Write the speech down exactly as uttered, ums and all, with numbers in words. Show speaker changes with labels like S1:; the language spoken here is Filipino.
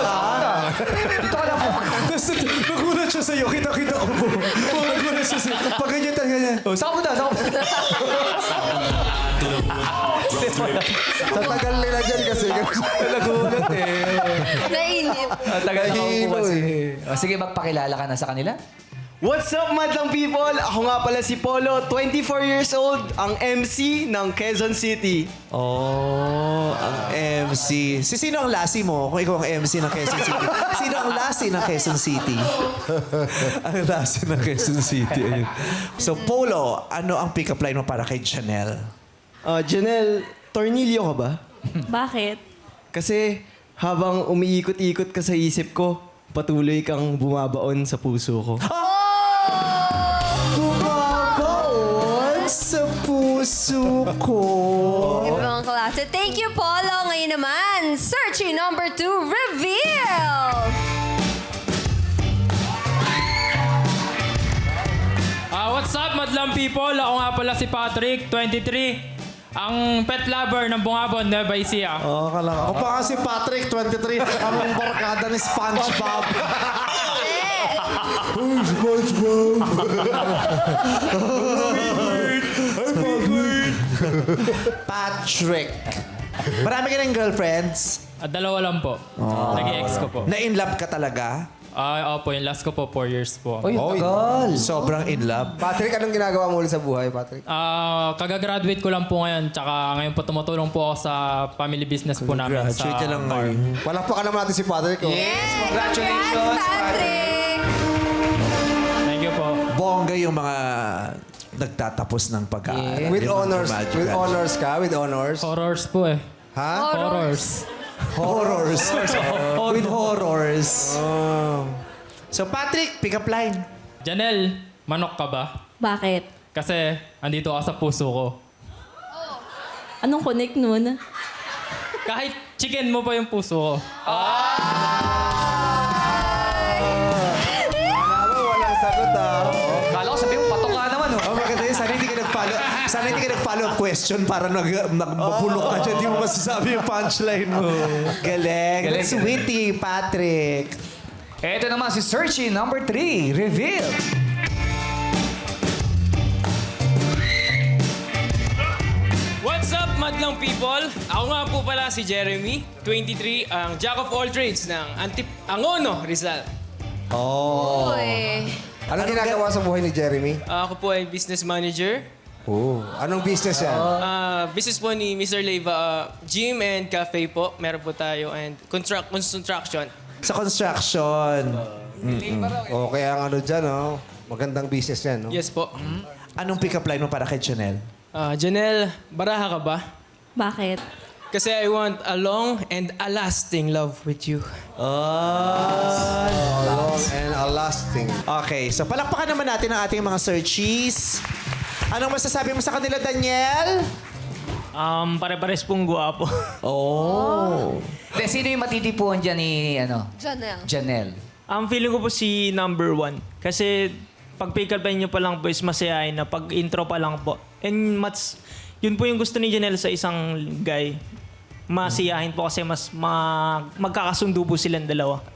S1: Dito ka lang po. Tapos nagulat siya sa'yo. Kita-kita ko po. Nagulat siya sa'yo. Pag ganyan tayo ganyan. Oh, saan mo na? Saan mo na?
S2: Sa tagal nila dyan kasi.
S1: Nagulat eh.
S3: Nainip.
S1: Ang tagal na ako po kasi. Oh, sige, magpakilala ka na sa kanila.
S4: What's up, madlang people? Ako nga pala si Polo, twenty-four years old, ang M C ng Quezon City.
S1: Oh, ang M C. Si sino ang lasi mo kung ikaw ang M C ng Quezon City? Sino ang lasi ng Quezon City? Ang lasi ng Quezon City. Ayun. So, Polo, ano ang pick-up line mo para kay Janelle?
S4: Uh, Janelle, tornilyo ka ba?
S5: Bakit?
S4: Kasi habang umiikot-ikot ka sa isip ko, patuloy kang bumabaon sa puso ko.
S1: Bumabaon sa puso ko.
S3: Ibang klase. Thank you, Polo. Ngayon naman, searching number two, reveal!
S6: Ah, what's up, madlang people? Ako nga pala si Patrick, twenty-three. Ang pet lover ng Bungabon, Nueva Ecija.
S2: Oo, oh, kala ko. Ako pa nga si Patrick, twenty-three. Ang barkada ni SpongeBob. Oh, SpongeBob.
S1: Patrick. Marami ka ng girlfriends?
S6: At dalawa lang po. Nag-ex ko po.
S1: Na-in love ka talaga?
S6: Ah, opo, yung last ko po, four years po.
S1: Oy, tagal. Sobrang in love.
S2: Patrick, anong ginagawa mo ulit sa buhay, Patrick?
S6: Ah, kagagraduate ko lang po ngayon, tsaka ngayon po tumutulong po ako sa family business po namin sa
S1: Graduate ka lang
S6: farm.
S1: ngayon.
S2: Palakpakan naman natin si Patrick. Oh.
S1: Yes!
S3: Congrats,
S1: Congratulations!
S3: Patrick!
S6: Thank you po.
S1: Bongga yung mga nagtatapos ng pag-aaral.
S2: With
S1: Yung mga
S2: honors.
S1: graduate.
S2: With honors ka? With honors?
S6: Horrors po eh.
S2: Ha?
S6: Horrors.
S1: Horrors. With horrors. So, Patrick, pick up line.
S6: Janelle, manok ka ba?
S5: Bakit?
S6: Kasi andito ka sa puso ko.
S5: Anong connect nun?
S6: Kahit chicken mo pa yung puso ko.
S2: Walang sagot ah.
S1: Kala ko sabi mo, patok ka naman. Oh, maganda yun. Sana hindi ka nag-follow. Sana hindi ka nag-follow up question para nag nagmapulok ka dyan. Di mo masasabi yung punchline mo. Galing.
S7: Galing.
S1: That's witty, Patrick.
S7: Ito naman si Searchy number three, reveal.
S8: What's up, madlang people? Ako nga po pala si Jeremy, twenty-three, ang jack of all trades ng Antip Angono, Rizal.
S2: Oh.
S3: Uy.
S2: Anong ginagawa sa buhay ni Jeremy?
S8: Ah, ako po ay business manager.
S2: Oh. Anong business yan?
S8: Ah, business po ni mister Leiva, ah, gym and cafe po. Meron po tayo and construct construction.
S1: Sa construction.
S2: Oh, kaya ang ano dyan, oh. Magandang business yan, no?
S8: Yes po.
S1: Anong pick up line mo para kay Janelle?
S8: Ah, Janelle, baraha ka ba?
S5: Bakit?
S8: Kasi I want a long and a lasting love with you.
S1: Oh.
S2: Long and a lasting.
S1: Okay, so palakpakan naman natin ang ating mga searchies. Anong masasabi mo sa kanila, Daniel?
S6: Um, pare-pares pong guwapo.
S1: Oh.
S7: De, sino yung matitipuan dyan ni, ano,
S3: Janelle.
S7: Janelle?
S9: Ang feeling ko po si number one. Kasi pag pick up line nyo pa lang po is masayahin na. Pag intro pa lang po. And mas, yun po yung gusto ni Janelle sa isang guy. Masiyahin po kasi mas ma, magkakasundo po silang dalawa.